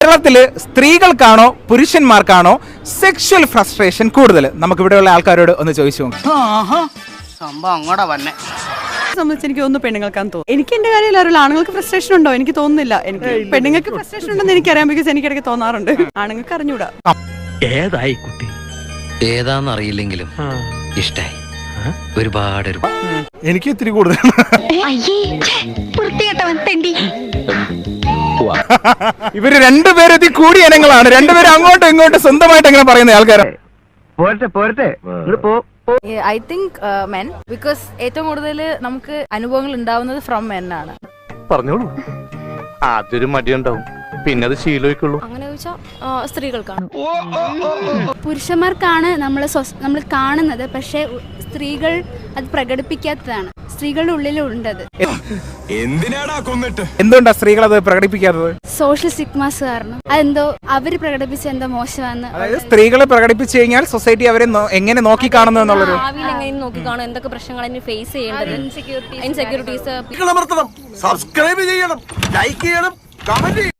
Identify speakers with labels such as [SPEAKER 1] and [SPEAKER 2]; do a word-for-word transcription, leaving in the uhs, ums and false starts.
[SPEAKER 1] കേരളത്തില് സ്ത്രീകൾക്കാണോ പുരുഷന്മാർക്കാണോ sexual frustration കൂടുതൽ? നമുക്ക് ഇവിടെയുള്ള ആൾക്കാരോട് ഒന്ന് ചോദിച്ചു നോക്കാം.
[SPEAKER 2] സംഭവം അങ്ങോട്ടാ വന്നെ
[SPEAKER 3] സംബന്ധിച്ച് എനിക്ക് തോന്നുന്നു പെണ്ണുങ്ങൾക്കാന്ന് തോന്നുന്നു. എനിക്ക് എന്റെ കാര്യം അറിയില്ല, ആണുങ്ങൾക്ക് ഫ്രസ്ട്രേഷൻ ഉണ്ടോ എനിക്ക് തോന്നുന്നില്ല. എനിക്ക് പെണ്ണുങ്ങൾക്ക് ഫ്രസ്ട്രേഷൻ ഉണ്ടെന്ന് എനിക്കറിയാം, ബിക്കോസ് എനിക്കിടയ്ക്ക് തോന്നാറുണ്ട്. ആണുങ്ങൾക്ക് അറിഞ്ഞൂടാ.
[SPEAKER 4] ഏതായി കുട്ടി
[SPEAKER 5] ഏതാന്നറിയില്ലെങ്കിലും ഇഷ്ടായി ഒരുപാട്.
[SPEAKER 1] എനിക്ക് ഇത്തിരി കൂടുതൽ. ഇവര് രണ്ടുപേരും ഇതി കൂടിയ ഇനങ്ങളാണ്. രണ്ടുപേരും അങ്ങോട്ടും ഇങ്ങോട്ടും സ്വന്തമായിട്ട് എങ്ങനെ പറയുന്ന ആൾക്കാരാണ്.
[SPEAKER 4] പോരട്ടെ പോരട്ടെ
[SPEAKER 6] ഐ തിങ്ക് മെൻ, ബിക്കോസ് ഏറ്റവും കൂടുതൽ നമുക്ക് അനുഭവങ്ങൾ ഉണ്ടാവുന്നത് ഫ്രം മെൻ ആണ്.
[SPEAKER 7] പറഞ്ഞോളൂ. ആദ്യൊരു മടിയുണ്ടാവും, പിന്നെ അത് ശീലമായിക്കുള്ളൂ.
[SPEAKER 8] അങ്ങനെ ചോദിച്ചാൽ സ്ത്രീകൾക്കാണ്. പുരുഷന്മാർക്കാണ് നമ്മൾ നമ്മൾ കാണുന്നത്, പക്ഷെ സ്ത്രീകൾ അത് പ്രകടിപ്പിക്കാത്തതാണ്. സ്ത്രീകളുടെ ഉള്ളിലുണ്ടത്.
[SPEAKER 1] എന്തുകൊണ്ടാ സ്ത്രീകൾ അത് പ്രകടിപ്പിക്കാത്തത്?
[SPEAKER 8] സോഷ്യൽ സിഗ്മാസ് കാരണം. അതെന്തോ അവര് പ്രകടിപ്പിച്ച എന്തോ മോശമാണെന്ന്.
[SPEAKER 1] അതായത് സ്ത്രീകളെ പ്രകടിപ്പിച്ചു കഴിഞ്ഞാൽ സൊസൈറ്റി അവരെ എങ്ങനെ നോക്കി കാണുന്നു എന്നുള്ളൊരു
[SPEAKER 8] ഭാവിയിൽ എങ്ങനെ നോക്കി കാണും, എന്തൊക്കെ പ്രശ്നങ്ങൾ ഫേസ് ചെയ്യേണ്ടത്, ഇൻസെക്യൂരിറ്റീസ്.
[SPEAKER 9] സബ്സ്ക്രൈബ് ചെയ്യണം, ലൈക്ക് ചെയ്യണം, കമന്റ്